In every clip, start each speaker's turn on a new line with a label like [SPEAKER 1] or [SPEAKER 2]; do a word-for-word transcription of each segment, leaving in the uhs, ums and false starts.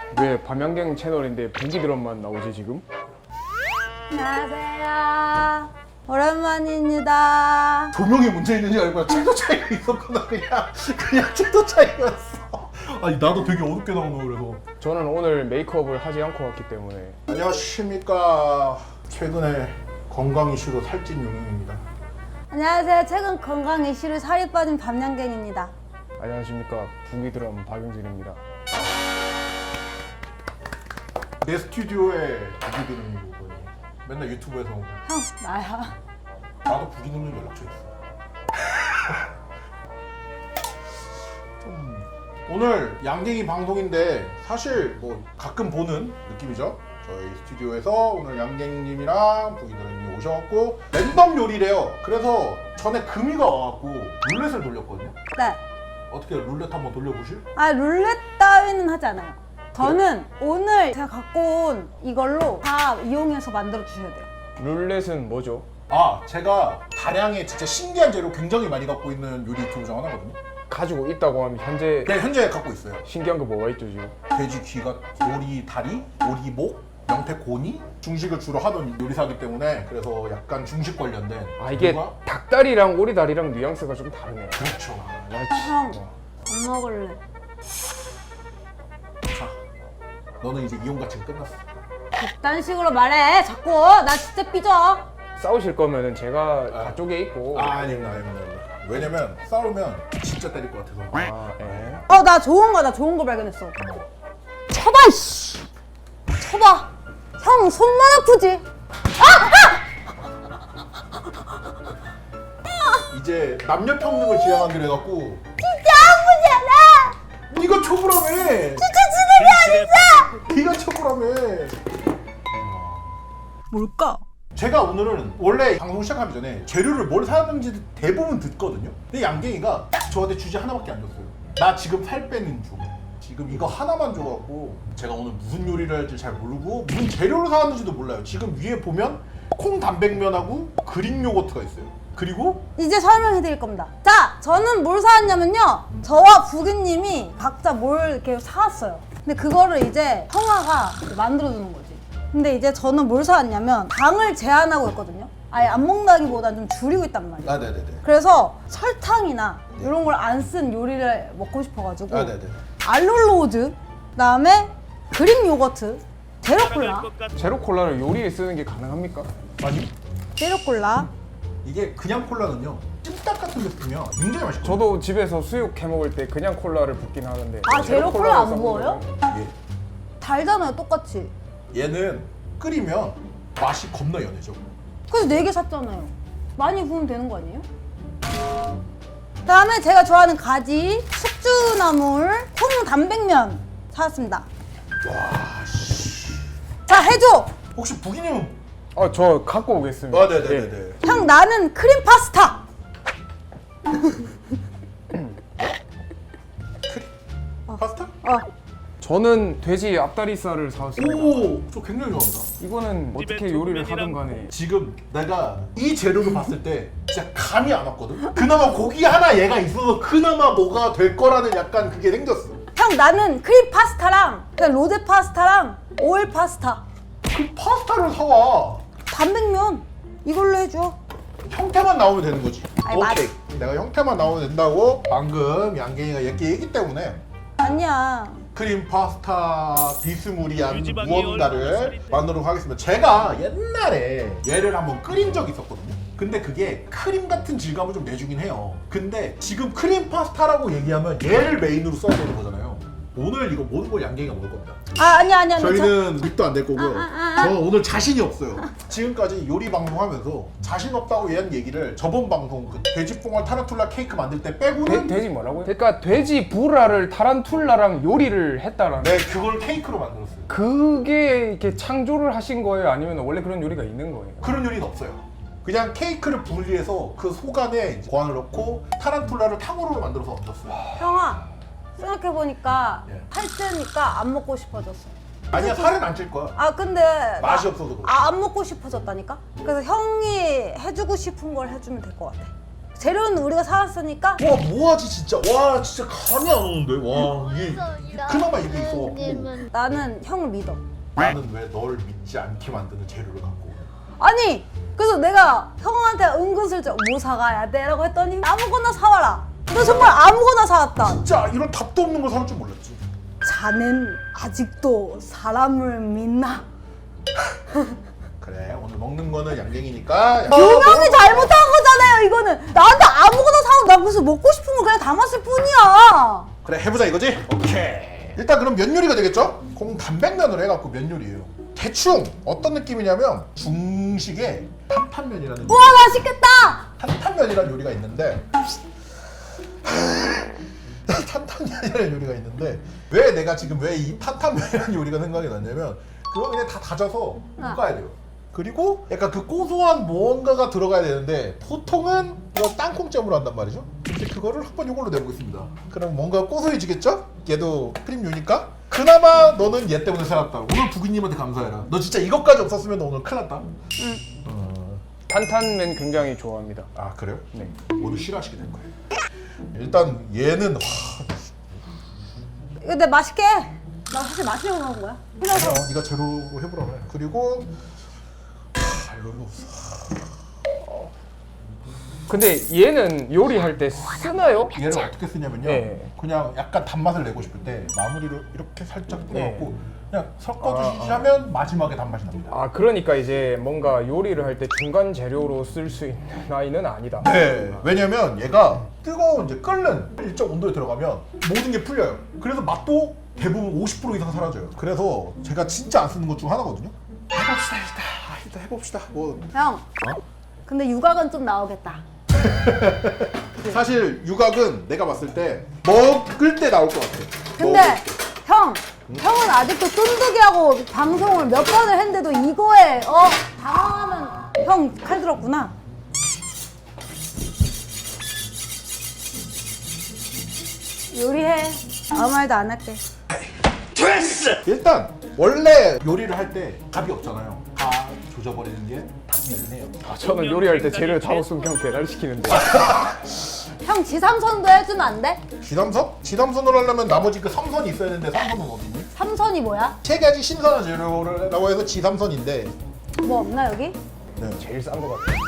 [SPEAKER 1] 왜 밤양갱 채널인데 보기 드럼만 나오지 지금?
[SPEAKER 2] 안녕하세요. 오랜만입니다.
[SPEAKER 3] 조명이 문제 있는지 알고 채도 차이가 있었구나. 그냥 그냥 채도 차이였어. 아니 나도 되게 어둡게 나오네. 그래서
[SPEAKER 1] 저는 오늘 메이크업을 하지 않고 왔기 때문에.
[SPEAKER 3] 안녕하십니까. 최근에 건강 이슈로 살찐 용인입니다.
[SPEAKER 2] 안녕하세요. 최근 건강 이슈로 살이 빠진 밤양갱입니다.
[SPEAKER 1] 안녕하십니까, 보기 드럼 박영진입니다.
[SPEAKER 3] 내 스튜디오에 부기드는 거고 맨날 유튜브에서
[SPEAKER 2] 형, 나야.
[SPEAKER 3] 나도 부기드는 연락처 있어. 좀 오늘 양갱이 방송인데 사실 뭐 가끔 보는 느낌이죠. 저희 스튜디오에서 오늘 양갱님이랑 부기드님이 오셔갖고 랜덤 요리래요. 그래서 전에 금이가 와갖고 룰렛을 돌렸거든요.
[SPEAKER 2] 네.
[SPEAKER 3] 어떻게 룰렛 한번 돌려보실?
[SPEAKER 2] 아, 룰렛 따위는 하지 않아요. 저는 오늘 제가 갖고 온 이걸로 다 이용해서 만들어 주셔야 돼요.
[SPEAKER 1] 룰렛은 뭐죠?
[SPEAKER 3] 아 제가 다량의 진짜 신기한 재료 굉장히 많이 갖고 있는 요리 유튜브 중 하나거든요.
[SPEAKER 1] 가지고 있다고 하면 현재
[SPEAKER 3] 네 현재 갖고 있어요.
[SPEAKER 1] 신기한 거 뭐가 있죠 지금?
[SPEAKER 3] 돼지 귀가, 오리 다리, 오리 목, 명태 고니 중식을 주로 하던 요리사이기 때문에 그래서 약간 중식 관련된
[SPEAKER 1] 아 이게
[SPEAKER 3] 요리가-
[SPEAKER 1] 닭다리랑 오리다리랑 뉘앙스가 좀 다르네요.
[SPEAKER 3] 그렇죠.
[SPEAKER 1] 나
[SPEAKER 2] 형,
[SPEAKER 1] 진- 어.
[SPEAKER 2] 안 먹을래.
[SPEAKER 3] 자 너는 이제 이용가치가 끝났어.
[SPEAKER 2] 그딴 식으로 말해. 자꾸 나 진짜 삐져.
[SPEAKER 1] 싸우실 거면은 제가
[SPEAKER 3] 아.
[SPEAKER 1] 가쪽에 있고.
[SPEAKER 3] 아 아닙니다 아닙니다 아닙니다. 왜냐면 싸우면 진짜 때릴 것 같아서.
[SPEAKER 1] 아, 예.
[SPEAKER 2] 어, 나 좋은 거, 나 좋은 거 발견했어. 쳐봐, 이씨. 쳐봐. 형, 손만 아프지?
[SPEAKER 3] 이제 남녀 평등을 지향하기로 해갖고
[SPEAKER 2] 진짜 아프지 않아?
[SPEAKER 3] 네가 초보라며.
[SPEAKER 2] 진짜 지능이 어딨어?
[SPEAKER 3] 네가 초보라며.
[SPEAKER 2] 뭘까?
[SPEAKER 3] 제가 오늘은 원래 방송 시작하기 전에 재료를 뭘 사는지 대부분 듣거든요. 근데 양갱이가 딱 저한테 주제 하나밖에 안 줬어요. 나 지금 살 빼는 중. 지금 이거 하나만 줘갖고 제가 오늘 무슨 요리를 할지 잘 모르고 무슨 재료를 사왔는지도 몰라요. 지금 위에 보면 콩 단백면하고 그릭 요거트가 있어요. 그리고
[SPEAKER 2] 이제 설명해 드릴 겁니다. 자, 저는 뭘 사왔냐면요. 저와 부기님이 각자 뭘 이렇게 사왔어요. 근데 그거를 이제 형아가 만들어 주는 거지. 근데 이제 저는 뭘 사왔냐면 당을 제한하고 있거든요. 아예 안 먹는다기보단 좀 줄이고 있단 말이에요.
[SPEAKER 3] 아 네네네.
[SPEAKER 2] 그래서 설탕이나 이런 걸 안 쓴 요리를 먹고 싶어가지고
[SPEAKER 3] 아 네네네.
[SPEAKER 2] 알룰로즈, 그다음에 그릭 요거트, 제로콜라,
[SPEAKER 1] 제로 콜라를 요리에 쓰는 게 가능합니까?
[SPEAKER 3] 아니
[SPEAKER 2] 제로콜라.
[SPEAKER 3] 이게 그냥 콜라는요 찜닭 같은 데 쓰면 굉장히 맛있거든요.
[SPEAKER 1] 저도 집에서 수육 해 먹을 때 그냥 콜라를 붓긴 하는데.
[SPEAKER 2] 아, 제로 콜라 안
[SPEAKER 1] 써먹는
[SPEAKER 2] 부어요?
[SPEAKER 1] 거는
[SPEAKER 3] 예.
[SPEAKER 2] 달잖아요, 똑같이.
[SPEAKER 3] 얘는 끓이면 맛이 겁나 연해져.
[SPEAKER 2] 그래서 네 개 샀잖아요. 많이 구우면 되는 거 아니에요? 그다음에 제가 좋아하는 가지, 숙주나물, 콩 단백면 사왔습니다.
[SPEAKER 3] 와 씨.
[SPEAKER 2] 자, 해줘.
[SPEAKER 3] 혹시 부기님은?
[SPEAKER 1] 아, 저 갖고 오겠습니다.
[SPEAKER 3] 아 네네네네.
[SPEAKER 2] 형, 나는 크림 파스타.
[SPEAKER 3] 파스타?
[SPEAKER 2] 어.
[SPEAKER 1] 저는 돼지 앞다리살을 사왔습니다.
[SPEAKER 3] 오, 저 굉장히 좋아합니다.
[SPEAKER 1] 이거는 어떻게 요리를 하든 간에
[SPEAKER 3] 지금 내가 이 재료를 봤을 때 진짜 감이 안 왔거든? 그나마 고기 하나 얘가 있어서 그나마 뭐가 될 거라는 약간 그게 생겼어.
[SPEAKER 2] 형, 나는 크림 파스타랑 그냥 로제 파스타랑 오일 파스타,
[SPEAKER 3] 그 파스타를 사와.
[SPEAKER 2] 단백면 이걸로 해줘.
[SPEAKER 3] 형태만 나오면 되는 거지.
[SPEAKER 2] 아이,
[SPEAKER 3] 오케이. 내가 형태만 나오면 된다고 방금 양갱이가 얘기 얘기 때문에
[SPEAKER 2] 아니야.
[SPEAKER 3] 크림 파스타 비스무리한 무언가를 만들도록 하겠습니다. 제가 옛날에 얘를 한번 끓인 적이 있었거든요. 근데 그게 크림 같은 질감을 좀 내주긴 해요. 근데 지금 크림 파스타라고 얘기하면 얘를 메인으로 써야 되는 거잖아요. 오늘 이거 모든 걸 양갱이가 먹을 겁니다.
[SPEAKER 2] 아, 아니야, 아니야. 아니야.
[SPEAKER 3] 저희는 립도 안 될 거고요.
[SPEAKER 2] 아, 아, 아.
[SPEAKER 3] 저 오늘 자신이 없어요. 지금까지 요리 방송하면서 자신 없다고 얘한 얘기를 저번 방송 그 돼지뽕알 타란툴라 케이크 만들 때
[SPEAKER 1] 돼,
[SPEAKER 3] 빼고는
[SPEAKER 1] 돼지 뭐라고요? 그러니까 돼지 부라를 타란툴라랑 요리를 했다라는.
[SPEAKER 3] 네 그걸 케이크로 만들었어요.
[SPEAKER 1] 그게 이렇게 창조를 하신 거예요? 아니면 원래 그런 요리가 있는 거예요?
[SPEAKER 3] 그런 요리는 없어요. 그냥 케이크를 분리해서 그 속 안에 이제 고안을 넣고 타란툴라를 탕후루로 만들어서 얹었어요.
[SPEAKER 2] 형아, 생각해보니까
[SPEAKER 3] 예.
[SPEAKER 2] 살찌니까 안 먹고 싶어졌어.
[SPEAKER 3] 아니야 살은 안 찔 거야.
[SPEAKER 2] 아, 근데
[SPEAKER 3] 맛이
[SPEAKER 2] 나-
[SPEAKER 3] 없어서 그래.
[SPEAKER 2] 아, 안 먹고 싶어졌다니까? 그래서 형이 해주고 싶은 걸 해주면 될 것 같아. 재료는 우리가 사왔으니까
[SPEAKER 3] 와 뭐하지 진짜. 와 진짜 감이 안 오는데. 와 이게 그나마 이게 있어갖고.
[SPEAKER 2] 나는 형을 믿어.
[SPEAKER 3] 나는 왜 널 믿지 않게 만드는 재료를 갖고 오냐.
[SPEAKER 2] 아니 그래서 내가 형한테 은근슬쩍 뭐 사가야 돼? 라고 했더니 아무거나 사와라. 너 정말 아무거나 사왔다.
[SPEAKER 3] 진짜 이런 답도 없는 걸 사올 줄 몰랐지.
[SPEAKER 2] 자넨 아직도 사람을 믿나?
[SPEAKER 3] 그래 오늘 먹는 거는 양갱이니까.
[SPEAKER 2] 유명이 잘못한 거잖아요 이거는. 나한테 아무거나 사와. 나 그래서 먹고 싶은 거 그냥 담았을 뿐이야.
[SPEAKER 3] 그래 해보자 이거지? 오케이. 일단 그럼 면 요리가 되겠죠? 공 단백면으로 해갖고 면 요리예요. 대충 어떤 느낌이냐면 중식의 탄탄면이라는
[SPEAKER 2] 우와 맛있겠다.
[SPEAKER 3] 탄탄면이라는 요리가 있는데 탄탄면이라는 요리가 있는데 왜 내가 지금 왜 이 탄탄면이라는 요리가 생각이 났냐면 그거 그냥 다 다져서 볶아야 돼요. 그리고 약간 그 고소한 무언가가 들어가야 되는데 보통은 이거 땅콩잼으로 한단 말이죠. 근데 그거를 한번 이걸로 내보겠습니다. 그럼 뭔가 고소해지겠죠? 얘도 크림류니까. 그나마 너는 얘 때문에 살았다. 오늘 부기님한테 감사해라. 너 진짜 이것까지 없었으면 너 오늘 큰일 났다.
[SPEAKER 2] 응.
[SPEAKER 3] 어...
[SPEAKER 1] 탄탄면 굉장히 좋아합니다.
[SPEAKER 3] 아 그래요?
[SPEAKER 1] 네.
[SPEAKER 3] 오늘 싫어하시게 될 거예요. 일단 얘는 와,
[SPEAKER 2] 이거 내 맛있게 해. 나 사실 마시려고 나온 거야.
[SPEAKER 3] 그냥 네가 제로로 해보라고 해. 그리고 아, 이걸로
[SPEAKER 1] 근데 얘는 요리할 때 쓰나요?
[SPEAKER 3] 얘를 어떻게 쓰냐면요.
[SPEAKER 1] 네.
[SPEAKER 3] 그냥 약간 단맛을 내고 싶을 때 마무리로 이렇게 살짝 뿌려갖고
[SPEAKER 1] 네.
[SPEAKER 3] 그냥 섞어주시지
[SPEAKER 1] 아, 아.
[SPEAKER 3] 하면 마지막에 단맛이 납니다.
[SPEAKER 1] 아 그러니까 이제 뭔가 요리를 할 때 중간 재료로 쓸 수 있는 아이는 아니다.
[SPEAKER 3] 네. 왜냐면 얘가 뜨거운 이제 끓는 일정 온도에 들어가면 모든 게 풀려요. 그래서 맛도 대부분 오십 퍼센트 이상 사라져요. 그래서 제가 진짜 안 쓰는 것 중 하나거든요. 해봅시다 일단. 아, 일단 해봅시다. 뭐
[SPEAKER 2] 형.
[SPEAKER 3] 어?
[SPEAKER 2] 근데 육각은 좀 나오겠다.
[SPEAKER 3] 사실 유곽은 내가 봤을 때 먹을 때 나올 것 같아.
[SPEAKER 2] 근데
[SPEAKER 3] 먹을 때.
[SPEAKER 2] 형, 형은 아직도 쫀득이하고 방송을 몇 번을 했는데도 이거에 어 당황하면 형 칼 들었구나. 요리해. 아무 말도 안 할게.
[SPEAKER 3] 일단 원래 요리를 할 때 답이 없잖아요. 다 조져버리는 게 답이긴 해요.
[SPEAKER 1] 아, 저는 요리할 때 재료 다 없으면 그냥 배달시키는데.
[SPEAKER 2] 형 지삼선도 해주면 안 돼?
[SPEAKER 3] 지담선? 지담선으로 하려면 나머지 그 삼선이 있어야 되는데 삼선은 어디니?
[SPEAKER 2] 삼선이 뭐야?
[SPEAKER 3] 세 가지 신선한 재료라고 해서 지삼선인데
[SPEAKER 2] 뭐 없나 여기?
[SPEAKER 3] 네.
[SPEAKER 1] 제일 싼 거 같아.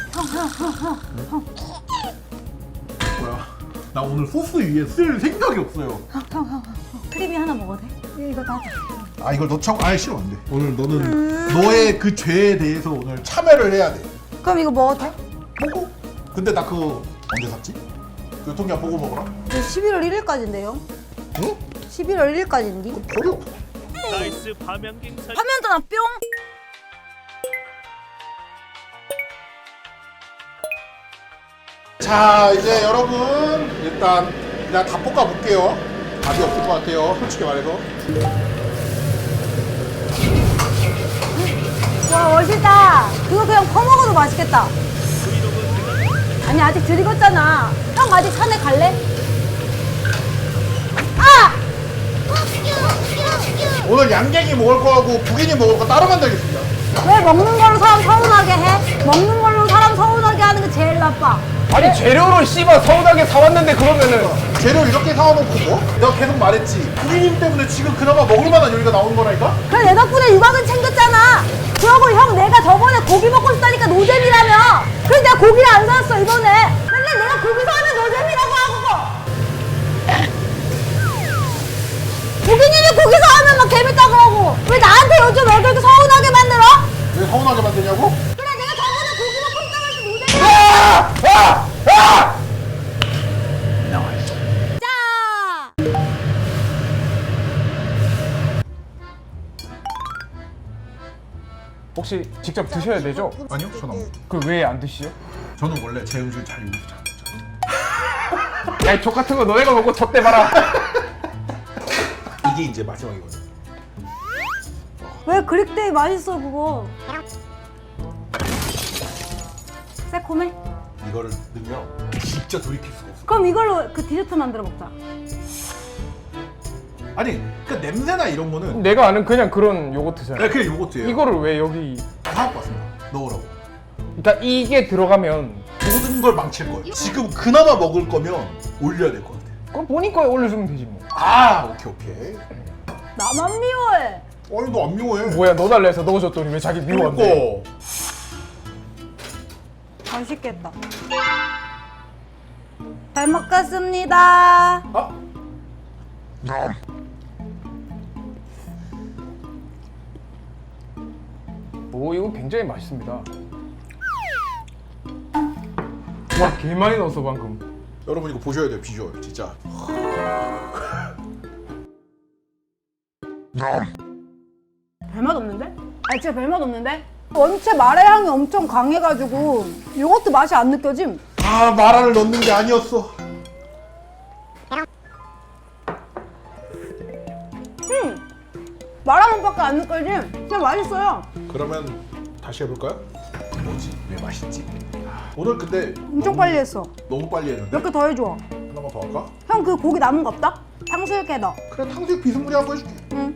[SPEAKER 3] 뭐야? 나 오늘 소스 위에 쓸 생각이 없어요.
[SPEAKER 2] 형, 형, 형, 형. 크림이 하나 먹어도 돼? 이거 다 하자.
[SPEAKER 3] 아 이걸 넣자고? 아예 싫어 안 돼. 오늘 너는 너의 그 죄에 대해서 오늘 참여를 해야 돼.
[SPEAKER 2] 그럼 이거 먹어도 돼?
[SPEAKER 3] 보고? 근데 나 그거 언제 샀지? 교통량 보고 먹어라.
[SPEAKER 2] 이거 십일월 일일까지인데요?
[SPEAKER 3] 응?
[SPEAKER 2] 십일월 일일까지인데?
[SPEAKER 3] 버려.
[SPEAKER 4] 나이스 밤양갱 살
[SPEAKER 2] 화면 전화 뿅!
[SPEAKER 3] 자 이제 여러분 일단 그냥 다 볶아 볼게요. 답이 없을 것 같아요. 솔직히 말해서.
[SPEAKER 2] 와 멋있다. 그거 그냥 퍼먹어도 맛있겠다. 아니 아직 덜 익었잖아. 형 아직 산에 갈래? 아!
[SPEAKER 3] 오늘 양갱이 먹을 거하고 부인이 먹을 거 따로 만들겠습니다.
[SPEAKER 2] 왜 먹는 걸로 사람 서운하게 해? 먹는 걸로 사람 서운하게 하는 게 제일 나빠.
[SPEAKER 1] 아니 재료를 씨발 서운하게 사왔는데 그러면은
[SPEAKER 3] 재료 이렇게 사와놓고 뭐? 내가 계속 말했지. 부인님 때문에 지금 그나마 먹을 만한 요리가 나오는 거라니까?
[SPEAKER 2] 그래 내 덕분에 육아는 챙겼잖아. 그러고 형 내가 저번에 고기 먹고 싶다니까 노잼이라며. 그래서 내가 고기를 안 사왔어 이번에. 맨날 내가 고기 사면 노잼이라고 하고. 고기님이 고기 사오면 막 재밌다 그러고. 왜 나한테 요즘 왜 그렇게 서운하게 만들어?
[SPEAKER 3] 왜 서운하게 만드냐고?
[SPEAKER 2] 그래 내가 저번에 고기 먹고 싶다고 해서 노잼이라고.
[SPEAKER 3] 아! 아!
[SPEAKER 2] 자.
[SPEAKER 1] 혹시 직접 드셔야 되죠?
[SPEAKER 3] 아니요, 저는 안 먹어요.
[SPEAKER 1] 그 왜 안 드시죠?
[SPEAKER 3] 저는 원래 제 음식을 잘 요리해서 잘 먹잖아요.
[SPEAKER 1] 야이 족 같은 거 너네가 먹고 젖대 봐라.
[SPEAKER 3] 이게 이제 마지막이거든.
[SPEAKER 2] 왜 그릭데이 맛있어 그거. 새콤해?
[SPEAKER 3] 이거를 넣으면 진짜 돌이킬 수가 없어.
[SPEAKER 2] 그럼 이걸로 그 디저트 만들어 먹자.
[SPEAKER 3] 아니, 그 냄새나 이런 거는
[SPEAKER 1] 내가 아는 그냥 그런 요거트잖아.
[SPEAKER 3] 네, 그냥 요거트예요.
[SPEAKER 1] 이거를 왜 여기?
[SPEAKER 3] 다 갖고 왔습니다. 넣으라고.
[SPEAKER 1] 그러니까 이게 들어가면
[SPEAKER 3] 요거트 모든 걸 망칠 거예요. 지금 그나마 먹을 거면 올려야 될 것 같아요.
[SPEAKER 1] 그럼 본인 거에 올려주면 되지 뭐.
[SPEAKER 3] 아 오케이 오케이.
[SPEAKER 2] 나만 미워해.
[SPEAKER 3] 아니 너 안 미워해.
[SPEAKER 1] 뭐야 너 달라 해서 넣어줬더니 왜 자기 미워한대?
[SPEAKER 3] 그러니까.
[SPEAKER 2] 맛있겠다. 잘 먹겠습니다.
[SPEAKER 3] 아
[SPEAKER 1] 오 이거 굉장히 맛있습니다. 와 개 많이 넣었어 방금.
[SPEAKER 3] 여러분 이거 보셔야 돼요 비주얼 진짜.
[SPEAKER 2] 별맛 없는데? 아 진짜 별맛 없는데? 원체 마라 향이 엄청 강해가지고 이것도 맛이 안 느껴짐.
[SPEAKER 3] 아 마라를 넣는 게 아니었어.
[SPEAKER 2] 마라 맛밖에 안 느껴짐. 그냥 맛있어요.
[SPEAKER 3] 그러면 다시 해볼까요? 뭐지? 왜 맛있지? 오늘 근데
[SPEAKER 2] 엄청 빨리 했어.
[SPEAKER 3] 너무 빨리 했는데?
[SPEAKER 2] 몇 개 더 해줘.
[SPEAKER 3] 하나만 더 할까?
[SPEAKER 2] 형 그 고기 남은 거 없다? 탕수육에 넣어.
[SPEAKER 3] 그래 탕수육 비스무리한 거 해줄게.
[SPEAKER 2] 응.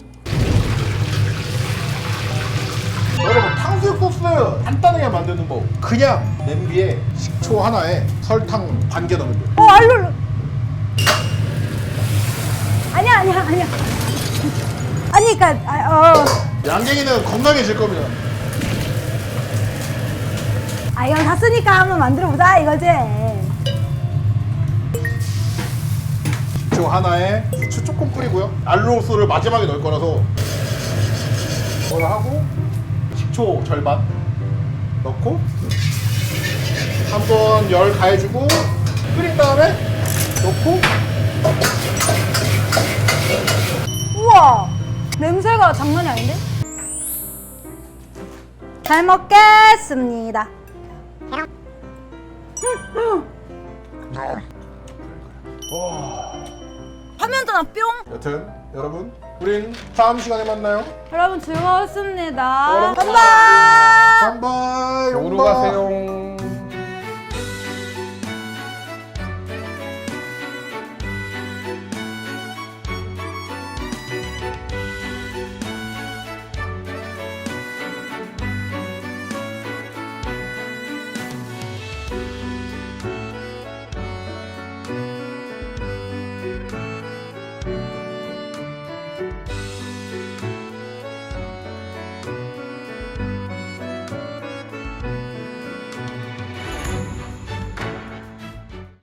[SPEAKER 3] 여러분 탕수육 소스 간단하게 만드는 법 그냥 냄비에 식초 하나에 설탕 반 개 넣으면 돼요.
[SPEAKER 2] 어 알룰. 아니야 아니야 아니야. 아니 그니까 아, 어.
[SPEAKER 3] 양갱이는 건강해질 겁니다.
[SPEAKER 2] 아 이건 샀으니까 한번 만들어보자 이거지.
[SPEAKER 3] 식초 하나에 후추 조금 뿌리고요. 알로스를 마지막에 넣을 거라서 그걸 하고 식초 절반 넣고 한번 열 가해주고 끓인 다음에 넣고
[SPEAKER 2] 우와 냄새가 장난이 아닌데? 잘 먹겠습니다. 화면 전화 뿅.
[SPEAKER 3] 여튼 여러분 우린 다음 시간에 만나요.
[SPEAKER 2] 여러분 즐거웠습니다.
[SPEAKER 3] 여러분,
[SPEAKER 2] 깜빡.
[SPEAKER 3] 깜바이
[SPEAKER 1] 요로 가세요.